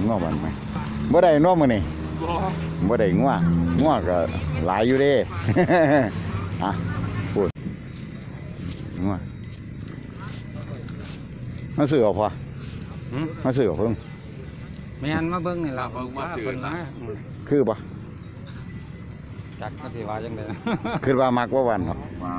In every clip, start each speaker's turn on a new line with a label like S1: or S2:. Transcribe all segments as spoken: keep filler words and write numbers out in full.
S1: ง้อมันไหมบ่ได้น้อมื้อนี่บ่ได้ง้อง้อก็หลายอยู่เด้อ่ะพูดง้อมาซื้อเอาพอมาซื้อเอาเพิ่ง
S2: แม่นมาเบิ่งนี่ล่ะเบิ่งมาเพิ่นนะ
S1: คือบ่
S2: จักก็สิว่าจังได๋
S1: คือว่ามักว่าวันเนาะ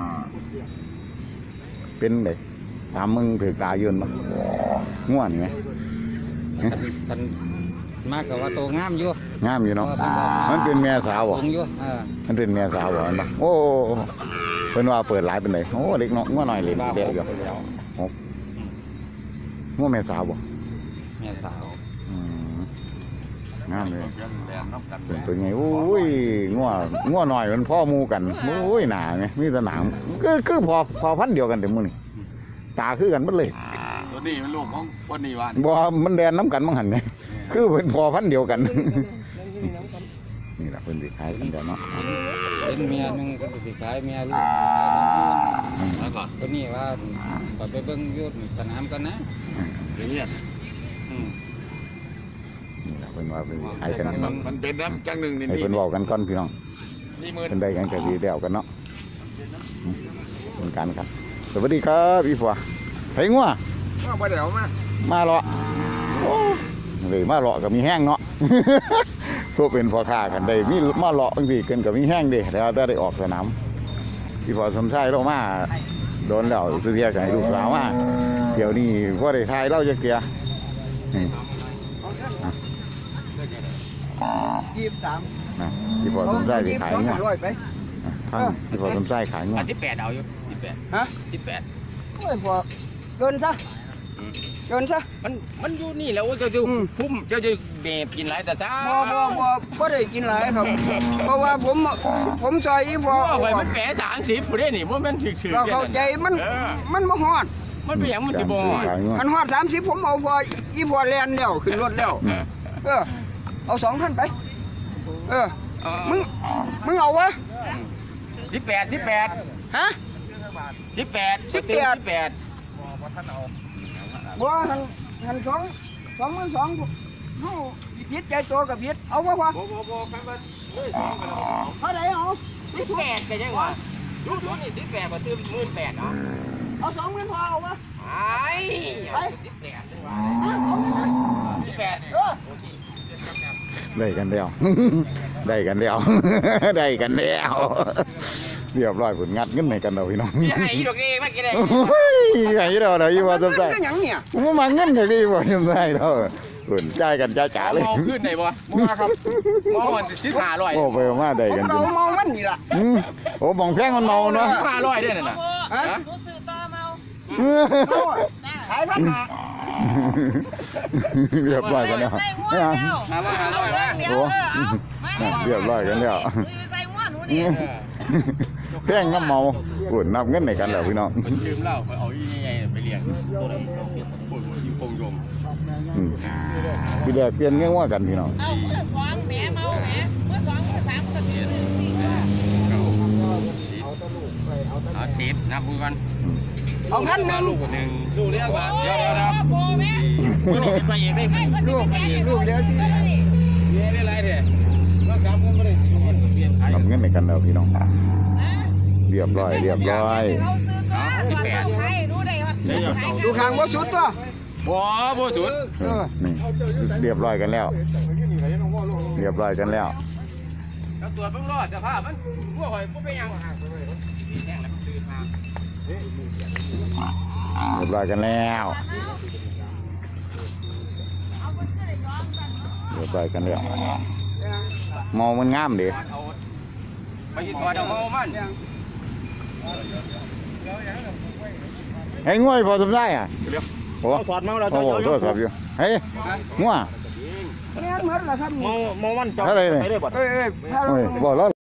S1: เป็นไดตามมึงถือตายืนบ่ง่วนไหม
S2: กันมากกับว่าโตงามอยู่
S1: งามอยู่เนาะมันเป็นแม่สาวบ่
S2: อยู่เออ
S1: มันเป็นแม่สาวบ่มันบ่โอ้เพิ่นว่าเปิดหลายเป็นไดโอ้เด็กน้อยง่วหน่อยเลยเด็กอยู่หกง่วแม่สาวบ่
S2: แม่สาว
S1: อืมงามเลยเป็นตัวไงโอ้ยง่วง่วหน่อยมันพ่อมูกันโอ้ยหนาไงมีสนามก็คือพอพอพันเดียวกันแต่มื้อนี่ตาคือกันหมดเลย
S3: ตัวนี้เป็นลูกของคนนี้วัน
S1: บ่มันแดนน้ำกันมั้งหันไงคือเป็นพอพันเดียวกันนี่แหละเพิ่นสิขายกันเดี๋ยวเนาะ
S2: เป็นเมียนึงก็สิขายเมียลูกแล้วก็ตัวนี้ว่าไปเบิ่งอยู่สนามกันนะ
S3: เรียน
S1: นี่แหละเพิ่นว่าเพิ่นขายกัน
S3: มันเป็นน้ำจังหนึ่งนี่
S1: ให้เพิ่นบอกกันก่อนพี่น้องเพิ่นได้กันก็ดีแล้วกันเนาะเป็นการครับสวัสดีครับพี่ฟัวไผงัว
S3: มาเดี๋ยวมา
S1: มาเลาะเลยมาเลาะก็มีแห้งเนาะพวกเป็นพ่อค้ากันได้มีมาเลาะบางทีเกินกับมีแห้งดิแล้วได้ได้ออกสนามพี่ฟัวสมชายเรามาโดนแล้วสุเทียกับลูกสาวมาเดี๋ยวนี้พ่อได้ทายเราจะเกียร์
S2: ยี่สิบสาม
S1: นะพี่พอสมใจไปขายเงี้ยท่านพี่พอสมใจขายเงี้ย
S3: สิบแปดเอาอยู่สิบแปดฮะสิบแปด
S2: โอ้ยพอโยนซะโยนซะ
S3: มันมันอยู่นี่แล้วเจ้าจะพุ่มเจ้าจะเบบกินหลายแต่ซ่า
S2: บ่บ่บ่บ่ได้กินหลายครับเพราะว่าผมผมซอยอีพอ
S3: ไปมันแปะสามสิบผู้เล่นนี่ว่ามันถือถือ
S2: เราเข้าใจมันมันบ่ฮอด
S3: มันเป็นอย่างมันจะบ่
S2: มันฮอดสามสิบผมเอาพออีพอแลนแล้วขึ้นรถแล้วเออเอาสองท่านไปเออมึงมึงเอาวะ
S3: สิบแปดสิบแปด
S2: ฮะ
S3: สิบแปด
S2: สิบแปด
S3: แปด
S2: บ่หันหันสองสองมันสองเขาพิษใจตัวกับพิษเอาวะวะ
S3: บ่บ่บ่ครับว่า
S2: เท่าไหร่เอา
S3: สิบแปดกันยังวะชุดชุดนี่สิบแปดมาตื้มหมื่นแปดเนาะ
S2: เอาสองเงินพอเอาวะ
S3: ไอ้ไปสิบแปดจังวะสิบแปด
S1: ได้กันแล้วได้กันแล้วได้กันแล้วเรียบร้อยผลงัดเงินในกันเราพี่น้อง
S3: ไอ้ดอกนี้มากี่ได้
S1: ไอ้เราเราอยู่ว่าสมใจมันมาเงินเดี๋ยวนี้ว่าสมใจเราผลจ่ายกันจ่ายจ๋าเลย
S3: มองขึ้นไหนบ่มาครับมองมันสิบห้าร้อย
S1: โอ้ไปมาได้กัน
S2: เรามองมันนี่ล่ะ
S1: โอ้มองแพงมันเมาเนาะ
S3: ห้าร้อยได้น่ะฮะ
S2: รู้สึกต่อเมาขายพันหา
S1: เรียบร้อยกันแล้ว
S3: ห้าร้อยห้าร้อย
S1: โอ้เรียบร้อยกันแล้วแพงน้ำเมาอุ่นนับเงินในกันแล้วพี่น้อง
S3: มันลืมเล่าไปเอายี่ไงไปเลี้ยงปุ่นที่คงยม
S1: พี่แดกเปลี่ยนเงี้ยว่ากันพี่น้อง
S4: เอาเมื่อสองแหมเมาแหมเมื่อสองเมื่อสามก็สี่
S3: เอาสิบนับมือกัน
S2: เอาขั้นหนึ่ง
S3: ลูกหนึ่งลูกเลี้ยงมาเดี๋ยวเดี๋ยวนะ
S4: โบแม่
S3: ไม่ได้ไปเองได้
S2: ลูกลูกเดียวที่
S3: เย้ได้ไรเด้รักษาผมไม่ได้
S1: นับเงินในกันแล้วพี่น้องเรียบร้อยเรียบร้อย
S3: สิบแปด
S2: ดูข้างว่าสุดตัว
S3: บ่บ่สุด
S1: นี่เรียบร้อยกันแล้วเรียบร้อยกันแล้ว
S3: ตัวเพิ่งรอดสภาพมันพวกหอยพวกไปยัง
S1: เรียบร้อยกันแล้วเรียบร้อยกันแล้วมองมันงามดิ
S3: ไปยิงตัวเดาเมามัน
S1: เฮ้ยง่วยพอสมได้อ่ะ
S3: โอ้ถอดเมาแล้ว
S1: โอ้โหถอดครับอยู่เฮ้ยง่ว
S2: เนี่ยเหมือนเหรอครับ
S3: เมาเมามันจอด
S1: อะไร
S3: ไปได้บ่
S2: เอ้ยเอ้ย
S1: บอกแล้ว